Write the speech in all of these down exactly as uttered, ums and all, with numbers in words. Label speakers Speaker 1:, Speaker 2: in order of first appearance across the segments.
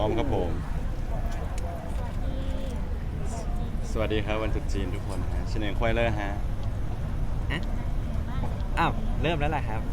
Speaker 1: ร้อมครับผมสวัสดีครับวันตรุษจีนทุกคนฮะชินเองควายเลอร์ฮะ
Speaker 2: ฮะอ้าวเริ่มแล้วแหละครับ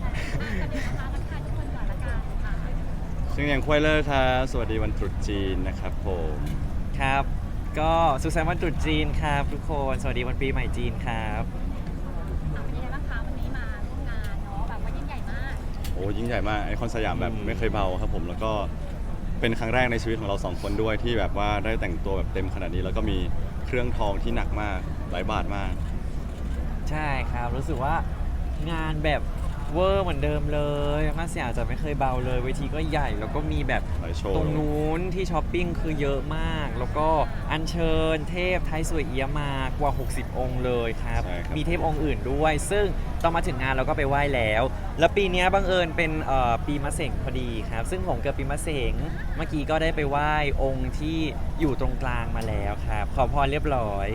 Speaker 1: ชินเองควายเลอร์ครับสวัสดีวันตรุษจีนนะครับผม
Speaker 2: ครับก็สุขสันต์วันตรุษจีนครับทุกคนสวัสดีวันปีใหม่จีนครับ
Speaker 3: เป็นยังไงบ้างคะวันนี้มาร่วมงานเนาะแบบว่ายิ่งใหญ่มาก
Speaker 1: โอ้ยิ่งใหญ่มากไอคอนสยามแบบไม่เคยเบาครับผมแล้วก็เป็นครั้งแรกในชีวิตของเราสองคนด้วยที่แบบว่าได้แต่งตัวแบบเต็มขนาดนี้แล้วก็มีเครื่องทองที่หนักมากหลายบาทมาก
Speaker 2: ใช่ครับรู้สึกว่างานแบบเวอร์เหมือนเดิมเลยมาสยามจะไม่เคยเบาเลยเวทีก็ใหญ่แล้วก็มีแบบตรงนู้นที่ช้อปปิ้งคือเยอะมากแล้วก็อัญเชิญเทพไทยสวยเอี้ยมากว่าหกสิบองค์เลยครับมีเทพองค์อื่นด้วยซึ่งตอนมาถึงงานเราก็ไปไหว้แล้วแล้วปีนี้บังเอิญเป็นปีมะเสงพอดีครับซึ่งผมเกิดปีมะเสงเมื่อกี้ก็ได้ไปไหว้องค์ที่อยู่ตรงกลางมาแล้วครับขอพรเรียบร้อย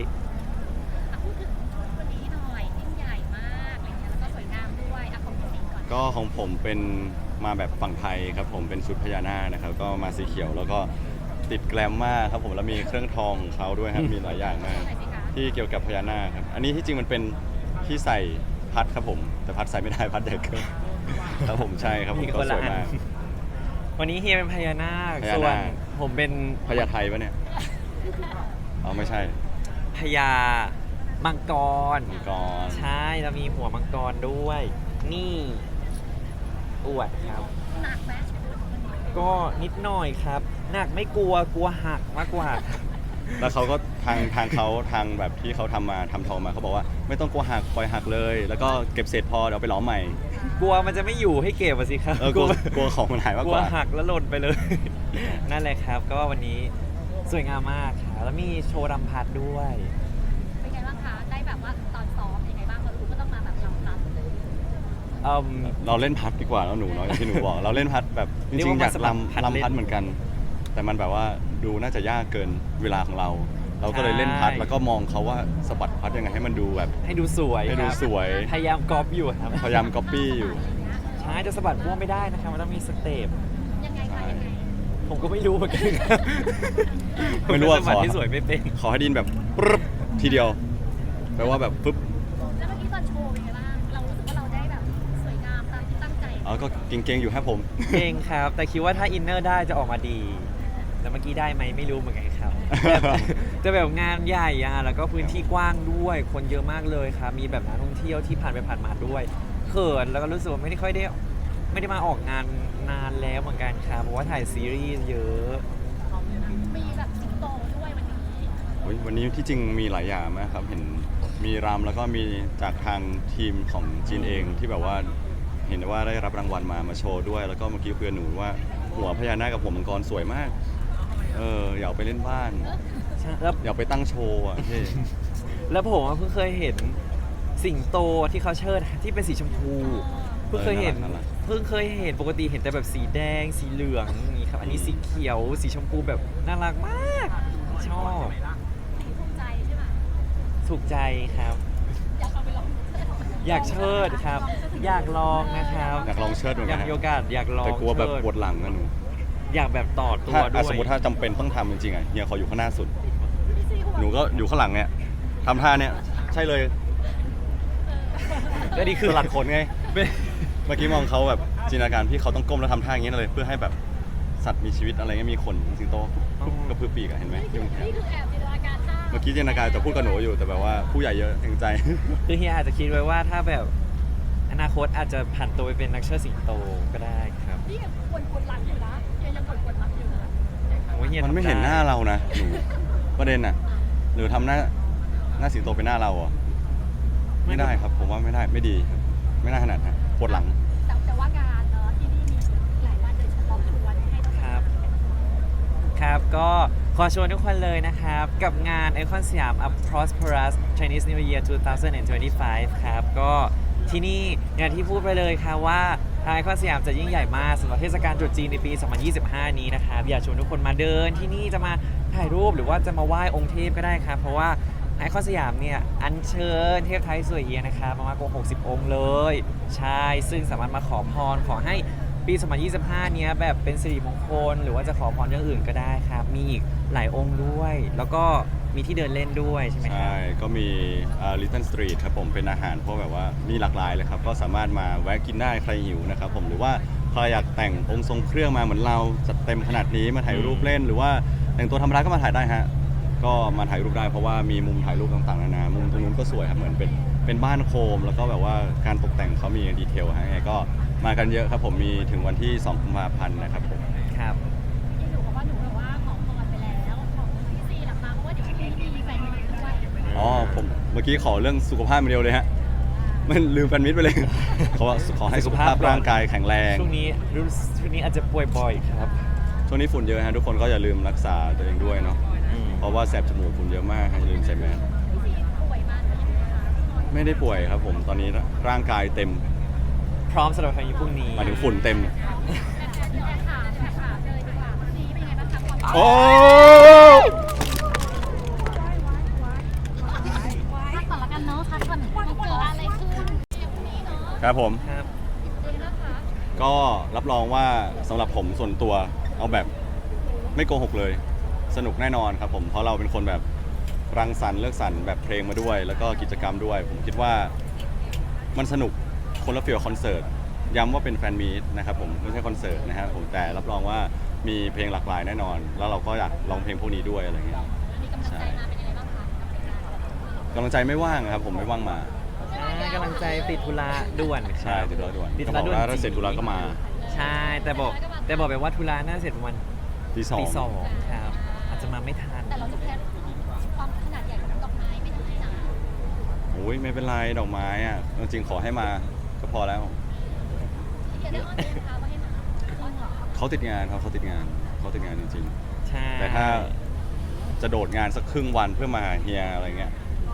Speaker 1: ก็ของผมเป็นมาแบบฝั่งไทยครับผมเป็นชุดพญานาคนะครับก็มาสีเขียวแล้วก็ติดแกลมมากครับผมแล้วมีเครื่องทองของเขาด้วยครับมีหลายอย่างมากที่เกี่ยวกับพญานาคครับอันนี้ที่จริงมันเป็นที่ใส่พัดครับผมแต่พัดใส่ไม่ได้พัดเด็กครับผมใช่ครับผมก็สวยมาก
Speaker 2: วันนี้เฮียเป็นพญานาคส่วนผมเป็น
Speaker 1: พญาไทยปะเนี่ยอ๋อไม่ใช่
Speaker 2: พญามังกร
Speaker 1: มังกร
Speaker 2: ใช่แล้วมีหัวมังกรด้วยนี่อวดครับ
Speaker 3: หนักไหม
Speaker 2: ก็นิดหน่อยครับหนักไม่กลัวกลัวหักมากกว่า
Speaker 1: แล้วเขาก็ทางทางเขาทางแบบที่เขาทำมาทำทองมาเขาบอกว่าไม่ต้องกลัวหักปล่อยหักเลยแล้วก็เก็บเศษพอเดี๋ยวไปล้อมใหม่
Speaker 2: กลัวมันจะไม่อยู่ให้เก็บสิครับ
Speaker 1: กลัวกลัวของมันหายมากกว่า
Speaker 2: กลัวหักแล้วหล่นไปเลยนั่นแหละครับก็วันนี้สวยงามมากค่ะแล้วมีโชว์รำพัดด้วย
Speaker 3: เป็นไงบ้างคะได้แบบว่าตอนซ้อมยังไงบ้างเรารู้ก็ต้องมาแบบรำพัด
Speaker 1: เราเล่นพัดดีกว่าแล้วหนูเนาะอย่างที่หนูบอกเราเล่นพัดแบบจริงๆอยากลำลำพัดเหมือนกันแต่มันแบบว่าดูน่าจะยากเกินเวลาของเรา เราก็เลยเล่นพัดแล้วก็มองเขาว่าสะบัดพัดยังไงให้มันดูแบบ
Speaker 2: ให้ดูสวย
Speaker 1: ให้ดูสวย
Speaker 2: พยายามก๊อปอยู่ครับ
Speaker 1: พยายามก๊อปปี้อยู่
Speaker 2: ใช่จะสะบัดพ่วงไม่ได้นะครับมันต้องมีสเต็ป
Speaker 3: ยังไงคะยังไง
Speaker 2: ผมก็ไม่รู้เหมือนกัน
Speaker 1: ไม่รู้ว่า
Speaker 2: สะบัดที่สวยไม่เป็น
Speaker 1: ขอให้ดินแบบปึ๊บทีเดียวแปลว่าแบบปึ๊บ
Speaker 3: แล้วเมื่อกี้ตอนโชว์เป็นไงบ้างเรารู้สึกว่าเราได้แบบสวยงามตามที่ตั้งใจ
Speaker 1: อ๋อก็เก่งๆอยู่ครับผม
Speaker 2: เก่งครับแต่คิดว่าถ้าอินเนอร์ได้จะออกมาดีแต่เมื่อกี้ได้ไหมไม่รู้เหมือนกันครับจะแบบงานใหญ่อะแล้วก็พื้นที่กว้างด้วยคนเยอะมากเลยครับมีแบบนักท่องเที่ยวที่ผ่านไปผ่านมาด้วยเขินแล้วก็รู้สึกว่าไม่ได้ค่อยได้ไม่ได้มาออกงานนานแล้วเหมือนกันครับเพราะว่าถ่ายซีรีส์เยอะ
Speaker 3: มีแบบสิงโตด้วยวันนี้
Speaker 1: วันนี้ที่จริงมีหลายอย่างมากครับเห็นมีรำแล้วก็มีจากทางทีมของจีนเองที่แบบว่าเห็นว่าได้รับรางวัลมามาโชว์ด้วยแล้วก็เมื่อกี้เพื่อนหนูว่าหัวพญานาคกับหัวมังกรสวยมากเอออยากไปเล่นบ้านแล้วอยากไปตั้งโชว์อ่ะพี่
Speaker 2: แล้วผมเพิ่งเคยเห็นสิงโตที่เขาเชิดที่เป็นสีชมพูเพิ่งเคยเห็นเพิ่งเคยเห็นปกติเห็นแต่แบบสีแดงสีเหลืองนี่ครับอันนี้สีเขียวสีชมพูแบบน่ารักมากชอบ
Speaker 3: ถูกใจใช่ไหม
Speaker 2: ถูกใจครับ
Speaker 3: อยากเอาไปลอง
Speaker 2: อยากเชิดครับอยากลองนะครับ
Speaker 1: อยากลองเชิดเหมือนกัน
Speaker 2: อยากมีโอกาสอยากลอง
Speaker 1: แต่กลัวแบบปวดหลังนะหนู
Speaker 2: อยากแบบต่อตัวด้วย
Speaker 1: สมมติถ้าจำเป็นต้องทำจริงๆอ่ะเฮียขออยู่ข้างหน้าสุดหนูก็อยู่ข้างหลังเนี่ยทำท่าเนี่ยใช่เลย
Speaker 2: ก็นี่คือ
Speaker 1: สลัดขนไงเมื่อกี้มองเขาแบบจินตนาการพี่เขาต้องก้มแล้วทำท่าอย่างนี้เลยเพื่อให้แบบสัตว์มีชีวิตอะไรเงี้ยมีขนสิงโตกระพือปีกเห็นไหม
Speaker 3: นี่คือแอบจินตนาการท่า
Speaker 1: เมื่อกี้จินตนาการจะพูดกับหนูอยู่แต่แบบว่าผู้ใหญ่เยอะเกรงใจ
Speaker 2: คือเฮียอาจจะคิดไว้ว่าถ้าแบบอนาคตอาจจะผันตัวไปเป็นนักเชิดสิงโตก็ได้ครับ
Speaker 3: นี่ยังปวดปวดหลังอยู่นะยังปวดปวดหลังอยู่นะ
Speaker 1: มันไม่เห็นหน้าเรานะหนูประเด็นน่ะหรือทำหน้าหน้าสิงโตเป็นหน้าเราอ่ะไม่ได้ครับผมว่าไม่ได้ไม่ดีไม่น่าขนาดนะปวดหลัง
Speaker 3: แต่ว่างานเนาะที่นี่มีหลายวันโดยเฉพาะชวนให้ต้อง
Speaker 2: ครับครับก็ขอชวนทุกคนเลยนะครับกับงานไอคอนสยาม A Prosperous Chinese New Year สองพันยี่สิบห้าครับก็ที่นี่อย่างที่พูดไปเลยค่ะว่าทางไอคอนสยามจะยิ่งใหญ่มากสำหรับเทศกาลตรุษจีนในปีสองพันยี่สิบห้านี้นะครับอยากชวนทุกคนมาเดินที่นี่จะมาถ่ายรูปหรือว่าจะมาไหว้องค์เทพก็ได้ครับเพราะว่าไอคอนสยามเนี่ยอัญเชิญเทพไทยสวยเอียนะครับมามากกว่าหกสิบองค์เลยใช่ซึ่งสามารถมาขอพรขอให้ปปี สองพันยี่สิบห้า เนี้ยแบบเป็นสิริมงคลหรือว่าจะขอพรเรื่องอื่นก็ได้ครับ มีอีกหลายองค์ด้วย แล้วก็มีที่เดินเล่นด้วยใช่ไหมครั
Speaker 1: ใช่
Speaker 2: บ
Speaker 1: ก็มีลิตเติ้ลสตรีทครับผมเป็นอาหารพวกแบบว่ามีหลากหลายเลยครับก็สามารถมาแวะกินได้ใครหิวนะครับผมหรือว่าใครอยากแต่งองค์ทรงเครื่องมาเหมือนเราจัดเต็มขนาดนี้มาถ่ายรูปเล่น หรือว่าแต่งตัวธรรมดาก็มาถ่ายได้ฮะก็มาถ่ายรูปได้เพราะว่ามีมุมถ่ายรูปต่างๆนานามุมตรงนู้นก็สวยครับเหมือนเป็นเป็นบ้านโคม แล้วก็แบบว่าการตกแต่งเขามีดีเทลฮะยังไงก็มากันเยอะครับผมมีถึงวันที่สองกุมภาพันธ์นะครับผม
Speaker 2: ครับ
Speaker 3: ที่หนูบอกว่าหนูแบบว่าขอพรไปแล้วของพี่ซีหลักมาเพราะว่าเดี๋ยวพรุ่งนี้มีแฟนมีด้วย
Speaker 1: อ๋อผมเมื่อกี้ขอเรื่องสุขภาพมาเดียวเลยฮะมันลืมแฟนมิตรไปเลย ขอขอให้สุขภาพร่างกายแข็งแรง
Speaker 2: ช่วงนี้รู้ช่วงนี้อาจจะป่วยบ่อยครับ
Speaker 1: ช่วงนี้ฝุ่นเยอะฮะทุกคนก็อย่าลืมรักษาตัวเองด้วยเนาะ
Speaker 2: อืม
Speaker 1: เพราะว่าแสบจมูกฝุ่นเยอะมากฮะอย่าลืมใส่แมส
Speaker 3: พี่ซีป่วยมาหรือยังไงคะ
Speaker 1: ไม่ได้ป่วยครับผมตอนนี้ร่างกายเต็ม
Speaker 2: พร้อมสำหรับครั้งนี้พรุ่งนี้
Speaker 1: หมายถึงฝุ่นเต็ม
Speaker 3: แต่ถามแต่ถามเลยดีกว่าพี่ซีเป็นยังไงบ้างคะความ
Speaker 1: โอ้
Speaker 3: พักก่อนละกันเนาะพักก่อนมันเกิดอะไรขึ้นเดี๋ยวพรุ่งนี้เนาะ
Speaker 1: ครับผม
Speaker 2: ครับ
Speaker 3: เดี๋ยวนะคะ
Speaker 1: ก็รับรองว่าสำหรับผมส่วนตัวเอาแบบไม่โกหกเลย สนุกแน่นอนครับผมเพราะเราเป็นคนแบบรังสรรค์เลือกสรรแบบเพลงมาด้วย แล้วก็กิจกรรมด้วย ผมคิดว่ามันสนุกคนละฟีลคอนเสิร์ตย้ำว่าเป็นแฟนมีตนะครับผมไม่ใช่คอนเสิร์ตนะครับผมแต่รับรองว่ามีเพลงหลากหลายแน่นอน แล้วเราก็อยากร้องเพลงพวกนี้ด้วยอะไรเงี้ย
Speaker 3: มีกำลังใจมาเป็นยังไงบ้างคะ
Speaker 1: กำลังใจไม่ว่างครับผมไม่ว่างมา
Speaker 2: ใช่กำลังใจติดธุระด่วนครับ
Speaker 1: ใช่ติดธุระด่วน
Speaker 2: ติด
Speaker 1: ก็
Speaker 2: ธุ
Speaker 1: บ
Speaker 2: ระ
Speaker 1: อก
Speaker 2: ด่วน
Speaker 1: ว่าถ้าเสร็จธุระก็มา
Speaker 2: ใช่แต่บอกแต่บอกไปว่าธุระน่าเสร็จประมาณ
Speaker 1: ตีสอง
Speaker 2: ตีสองครับอาจจะมาไม่ทัน
Speaker 3: แต่เราจะแพ้ความขนาดใหญ่ของดอกไม้ไม่ได้นะ
Speaker 1: โอ้ยไม่เป็นไรดอกไม้อ่ะจริงๆขอให้มาก็พอแล้ว
Speaker 3: เดี๋ยวได้อ้อนเองนะคะว่าให้มาอ้อนเหรอ
Speaker 1: เขาติดงานครับเขาติดงานเขาติดงานจริง
Speaker 2: ใช่
Speaker 1: ๆ แต่ถ้าจะโดดงานสักครึ่งวันเพื่อมาหาเฮียอะไรเงี้ย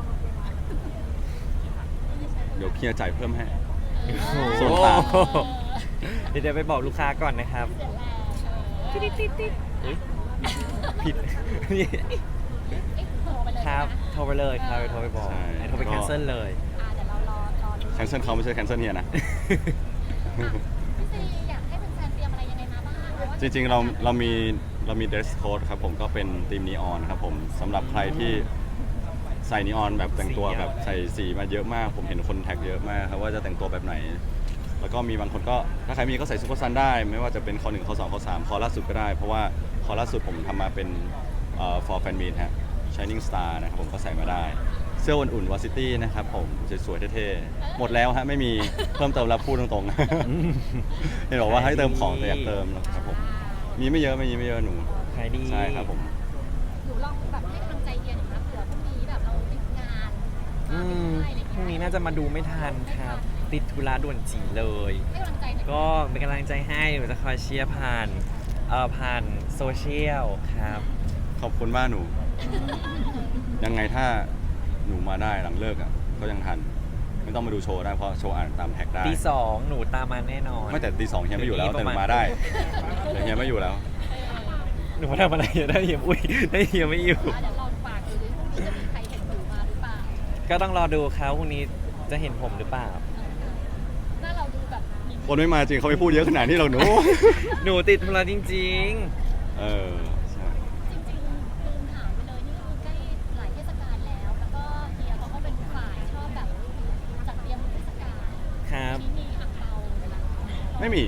Speaker 1: เดี๋ยวเฮียจ่ายเพิ่มให้
Speaker 2: โอ้โห
Speaker 1: ส่วนต่าง
Speaker 2: เดี๋ยวเดี๋ยวไปบอกลูกค้าก่อนนะครับ
Speaker 3: เสร็จแล้วติดติดติด
Speaker 2: อุ๊ยผิด
Speaker 3: โทรไปเลย
Speaker 2: ครับ
Speaker 3: นะ
Speaker 2: โทรไปเลยครับโทรไปบอก
Speaker 1: ใช่
Speaker 2: โทรไป
Speaker 1: ก็
Speaker 2: แคนเซิลเลย
Speaker 3: อ่าเดี๋ยวเรารอรอดู
Speaker 1: แคนเซิลเขาไม่ใช่แคนเซิลเฮียนะ
Speaker 3: พี่ซีอยากให้แฟนๆเตรียมอะไรยังไงมาบ้างเพราะว่า
Speaker 1: จริงๆเราเรามีเรามี dress code ครับผมก็เป็นธีมนีออนครับผมสำหรับใครที่ใส่นีออนแบบแต่งตัวแบบใส่สีมาเยอะมาก ผมเห็นคนแท็กเยอะมากครับว่าจะแต่งตัวแบบไหน แล้วก็มีบางคนก็ถ้าใครมีก็ใส่ซุปเปอร์ซันได้ ไม่ว่าจะเป็นคอหนึ่งคอสองคอสามคอล่าสุดก็ได้ เพราะว่าคอล่าสุดผมทำมาเป็นเอ่อ for fan meet ฮะ shining star นะครับผมก็ใส่มาได้ เสื้ออุ่นๆวอซิตี้นะครับผมสวยๆเท่ๆหมดแล้วฮะไม่มีเพิ่มเติมแล้วพูดตรงๆ เห็นบอกว่าให้เติมของแต่อยากเติมนะครับผมมีไม่เยอะไม่มีไม่เยอะหนู
Speaker 2: ขายดี
Speaker 1: ใช่ครับผม
Speaker 3: หนูลองแบบให้กำลังใจเฮียหน่อยนะเผื่อพรุ่งนี้แบบเราติดงาน
Speaker 2: อื
Speaker 3: มาไม่
Speaker 2: ม
Speaker 3: ได้อะไร
Speaker 2: พรุ่งนี้น่าจะมาดูไม่ทันครับ ติดธุระด่วนจีเลย
Speaker 3: ให้กำลังใจหน่อย
Speaker 2: ก็เป็นกำลังใจให้หนูจะคอยเชียร์ผ่านเอ่อผ่านโซเชียลครับ
Speaker 1: ขอบคุณมากหนู ยังไงถ้าหนูมาได้หลังเลิกอ่ะก็ยังทัน ไม่ต้องมาดูโชว์ได้เพราะโชว์อ่านตามแท็กได้
Speaker 2: ตีสองหนูตามมาแน่นอน
Speaker 1: ไม่แต่ตีสองเฮียไม่อยู่แล้ว
Speaker 2: เดี๋
Speaker 1: แต่
Speaker 2: ยว
Speaker 1: ห
Speaker 2: นี้
Speaker 1: นู
Speaker 2: ประมาณ
Speaker 1: มาได้แต่เฮียไม่อยู่แล้ว
Speaker 2: หนูมาทำอะไรอยู่ได้เฮียอุ้ยได้เฮียไม่อยู่
Speaker 3: อ่ะเดี๋ยวลองฝากดูดิพรุ่งนี้จะมีใครเห็นหนูมาหรือเปล่า
Speaker 2: ก็ต้องรอดูเขาพรุ่งนี้จะเห็นผมหรือเปล่า
Speaker 3: หน้าเราดูแบบมี
Speaker 1: คนไม่มาจริงเขาไม่พูดเยอะขนาดนี้หรอกหนู
Speaker 2: หนูติดธุระจริง
Speaker 1: เออใช่
Speaker 3: จริงๆลืมถามไปเลยนี่ก็คือใกล้หลายเทศกาลแล้ว แล้วก็เฮียเขาก็เป็นฝ่ายชอบแบบจัดเตรียมเทศกาล
Speaker 2: ๆ ครับ
Speaker 3: ที่มีอ่างเปา
Speaker 1: ไม่มี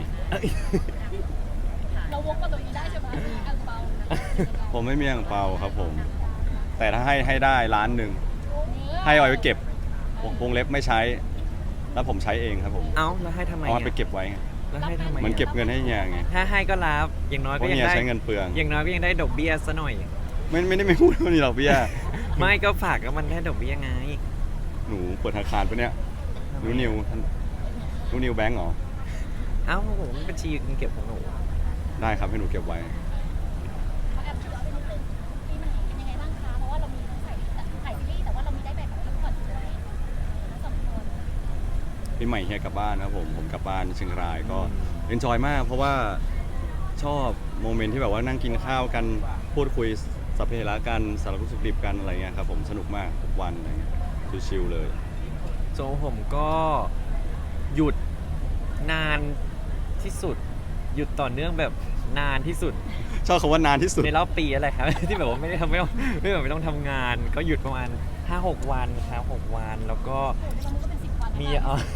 Speaker 3: เราวกมาตรงนี้ได้ใช่ไหมมีอ่างเปา
Speaker 1: ผมไม่มีอ่างเปาครับผม แต่ถ้าให้ให้ได้ล้านหนึ่งให้เอาไว้เก็บวงวงเล็บไม่ใช้ แล้วผมใช้เองครับผม
Speaker 2: เอ้าแล้วให้ทำไม
Speaker 1: เอา
Speaker 2: อ่ะ
Speaker 1: ไปเก็บไว้ไง
Speaker 2: แล้วให้ทำไม
Speaker 1: เหมันเก็บ
Speaker 2: อ่ะ
Speaker 1: เงินให้เฮียไง
Speaker 2: ถ้าให้ก็รับ อย่างน้อย
Speaker 1: เพ
Speaker 2: ก็
Speaker 1: ราะ
Speaker 2: ยัง
Speaker 1: เฮีย
Speaker 2: ได้
Speaker 1: ใช้เงินเปลือง
Speaker 2: อย่างน้อยก็ยังได้ดอกเบี้ยซะหน่อย
Speaker 1: ไม่ไม่ได้ไม่พูดว่ามีดอกเบี้ย
Speaker 2: ไม่ก็ฝากก็มันได้ดอกเบี้ยไง
Speaker 1: หนูเปิดธนาคารปะเนี่ยหนูนิวท่านหนูนิวแบงก์เหรอ
Speaker 2: เอ้าผมบัญชีเงินเก็บของหนู
Speaker 1: ได้ครับให้หนูเก็บไว้
Speaker 3: เขาแอบชวนนิดนึงปีใหม่เป็นยังไงบ้างคะ เพราะว่าเรามีทั้งถ่ายถ่ายซีรีส์แต่ว่าเรามีได้แบบพักผ่อนด้วยทั้งสองคน
Speaker 1: ปีใหม่เฮียกลับบ้านครับผม ผมกลับบ้านเชียงรายก็เอนจอยมากเพราะว่าชอบโมเมนต์ที่แบบว่านั่งกินข้าวกันพูดคุยสัพเพเหระกันสารพัดสุขดิบกันอะไรเงี้ยครับผมสนุกมากทุกวันอะไรเงี้ยชิลๆเลย
Speaker 2: โจผมก็หยุดนานที่สุดหยุดต่อเนื่องแบบนานที่สุด
Speaker 1: ชอบคำว่านานที่สุด
Speaker 2: ในรอบปีอะไรครับ ที่แบบว่าไม่ได้ทำไม่ต้องไม่แบบไม่ต้องทำงาน ก็หยุดประมาณ ห้าหก วันครับหกวัน แล้วก็
Speaker 3: ตอนนี้ก็เป็นสิบวัน
Speaker 2: มีเออน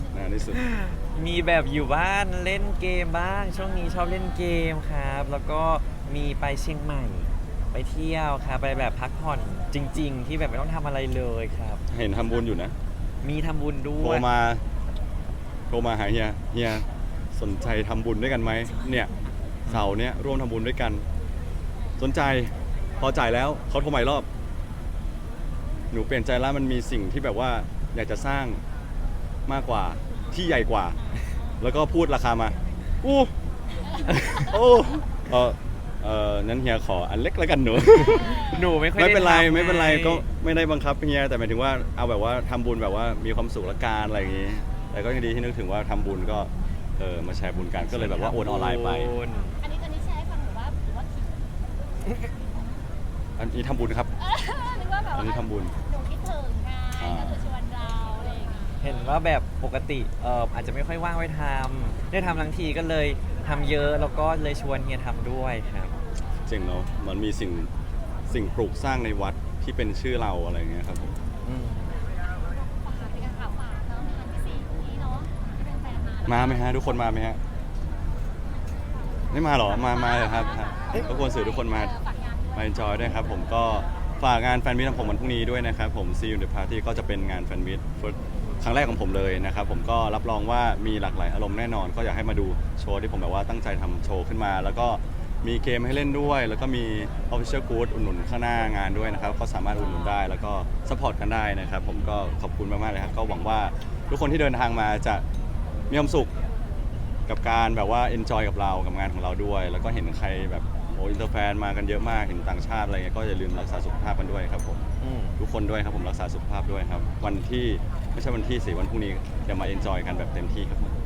Speaker 1: านที่สุด
Speaker 2: มีแบบอยู่บ้านเล่นเกมบ้าง ช่วงนี้ชอบเล่นเกมครับ แล้วก็มีไปเชียงใหม่ ไปเที่ยวครับไปแบบพักผ่อนจริง ๆ ที่แบบไม่ต้องทำอะไรเลยครับ
Speaker 1: เห็นทำบุญอยู่นะ
Speaker 2: มีทำบุญด้
Speaker 1: โท
Speaker 2: ว
Speaker 1: ร
Speaker 2: ย
Speaker 1: มา โทรมาหาเฮีย เฮียสนใจทำบุญด้วยกันไหม เนี่ยเสาร์เนี้ยร่วมทำบุญด้วยกัน สนใจ พอจ่ายแล้วเขาโทรใหม่รอบ หนูเปลี่ยนใจแล้วมันมีสิ่งที่แบบว่าอยากจะสร้างมากกว่าที่ใหญ่กว่า แล้วก็พูดราคามา อู้โอ้เออเออนั้นเฮียขออันเล็กแล้วกันหนู
Speaker 2: หนูไม่ค่อย
Speaker 1: ไม่เป็นไร
Speaker 2: ด้ทำ
Speaker 1: ไม่เป็นไร
Speaker 2: ง
Speaker 1: ก็ไม่ได้บังคับเฮียแต่หมายถึงว่าเอาแบบว่าทำบุญแบบว่ามีความสุขละกันอะไรอย่างงี้ แต่ก็ยังดีที่นึกถึงว่าทำบุญก็เออมาแชร์บุญกันก็เลยแบบว่าโอนออนไลน์ไป
Speaker 2: บุญ
Speaker 3: อันนี้อันนี้แชร์ให้ฟังหรือว่าหรือว่าคิด
Speaker 1: อันนี้ทำบุญครับ
Speaker 3: เออหรือว่าแบบ
Speaker 1: อันนี้ทำบุญ
Speaker 3: หนูคิดถึงไงก็คือชวนเราอะไรอย่างเงี้ย
Speaker 2: เห็นว่าแบบปกติเอออาจจะไม่ค่อยว่างไว้ทำได้ทำทั้งทีก็เลยทำเยอะแล้วก็เลยชวนเฮียทำด้วยครับ
Speaker 1: เจ๋งเนาะมันมีสิ่งสิ่งปลูกสร้างในวัดที่เป็นชื่อเราอะไรอย่างเงี้ยครับผม
Speaker 2: อืม
Speaker 3: ฝากเป็นการข่าวฝากเนาะงานที่สี่นี้เนาะที่เป็นแฟนมา
Speaker 1: มาไหมฮะทุกคนมาไหมฮะไม่มาหรอมามาเลยครับทุกคนสื่อทุกคนมา
Speaker 3: ฝากงานด้วย
Speaker 1: มา enjoy ด้วยครับผมก็ฝากงานแฟนมิตของผมวันพรุ่งนี้ด้วยนะครับผม See you in the party ก็จะเป็นงานแฟนมิตครั้งแรกของผมเลยนะครับผมก็รับรองว่ามีหลากหลายอารมณ์แน่นอน ก็อยากให้มาดูโชว์ที่ผมแบบว่าตั้งใจทำโชว์ขึ้นมา แล้วก็มีเกมให้เล่นด้วย แล้วก็มี official good อุดหนุนข้างหน้างานด้วยนะครับก็สามารถอุดหนุนได้แล้วก็ support กันได้นะครับผมก็ขอบคุณมากๆเลยครับก็หวังว่าทุกคนที่เดินทางมาจะมีความสุข กับการแบบว่า enjoy กับเรากับงานของเราด้วย แล้วก็เห็นใครแบบโอ้อินเตอร์แฟนมากันเยอะมากเห็นต่างชาติอะไรเงี้ยก็อย่าลืมรักษาสุขภาพกันด้วยครับผม
Speaker 2: อืม
Speaker 1: ทุกคนด้วยครับผมรักษาสุขภาพด้วยครับ วันที่ไม่ใช่วันที่สี่วันพรุ่งนี้เดี๋ยวมา enjoy กันแบบเต็มที่ครับผม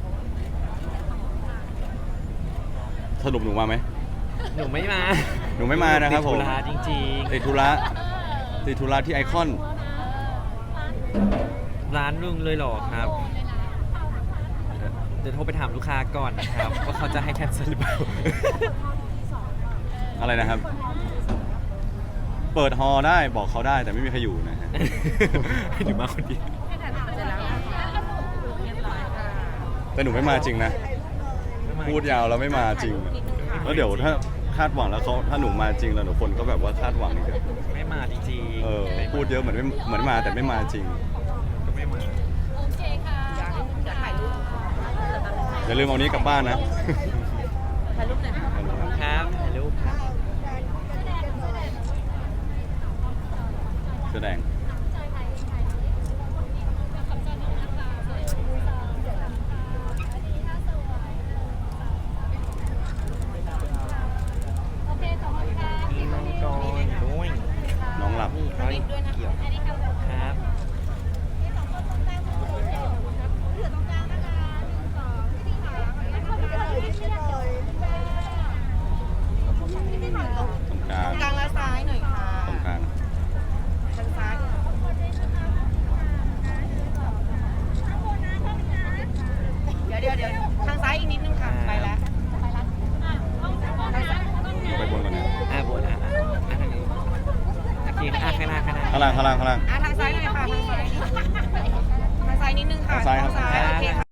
Speaker 1: สรุปหนูมาไหม
Speaker 2: หนูไม่มา
Speaker 1: หนูไม่มานะครับผม
Speaker 2: ติดธุระจริง
Speaker 1: ติดธุระติดธุระที่ไอคอน
Speaker 2: ๆ ร้านนึงเลยเหรอครับ เดี๋ยวโทรไปถามลูกค้าก่อนนะครับ ว่าเขาจะให้แคนเซิลหรือเปล่า
Speaker 1: อะไรนะครับ เปิดฮอลล์ได้บอกเขาได้แต่ไม่มีใครอยู่นะฮะ
Speaker 2: ให้หนูมาคนเดียว
Speaker 1: แต่หนูไม่มาจริงนะ พูดยาวแล้วไม่มาจริง แล้วเดี๋ยวถ้าคาดหวังแล้วเขาถ้าหนูมาจริงแล้วหนูคนก็แบบว่าคาดหวังอีกอะ
Speaker 2: ไม่มาจริงๆ
Speaker 1: เออพูดเยอะเหมือนไม่เหมือนมาแต่ไม่มาจริง
Speaker 2: ก็ไม่มา
Speaker 3: โอเคค่ะอยากถ่ายรูป
Speaker 1: อย่าลืมเอานี้กลับบ้านนะ
Speaker 3: ถ่ายรูปหน่อยค่ะ
Speaker 2: ครับถ่ายรูปครับ
Speaker 1: แสดง
Speaker 3: โอเคขอบคุณค่ะ
Speaker 2: มีมังกรด้วย
Speaker 1: น้องหลับ
Speaker 2: นี่เขาเกี่ยว
Speaker 3: อันนี้ครับ
Speaker 2: ครับ
Speaker 3: ที่สองคนตรงกลางมือเหลือตรงกลางนะคะหนึ่งสองที่สามแล้วคนทุกคนที่เชียร์เลยที่ที่ถ่ายรูป
Speaker 1: ตรงกลาง
Speaker 4: กลางและซ้ายหน่อยค่ะ
Speaker 1: ตรงกลาง
Speaker 4: ทางซ้าย เดี๋ยวเดี๋ยวเดี๋ยวทางซ้ายอีกนิดนึงค่ะ ไปแล้ว
Speaker 3: ไปละอ่ะต้องต้องนะต้อง
Speaker 1: ดูไปบนก่อนนะ
Speaker 2: อ่าบนอ่ะอ่ะอ่ะทางนี้โอเคอ่ะข้างหน้าข้างหน้า
Speaker 1: ข้างล่างข้างล่างข้างล่าง
Speaker 4: อ่ะทางซ้ายหน่อยค่ะ ทางซ้าย ทางซ้ายนิดนึงค่ะ
Speaker 1: ทางซ้ายครับ
Speaker 4: โอเคค่ะ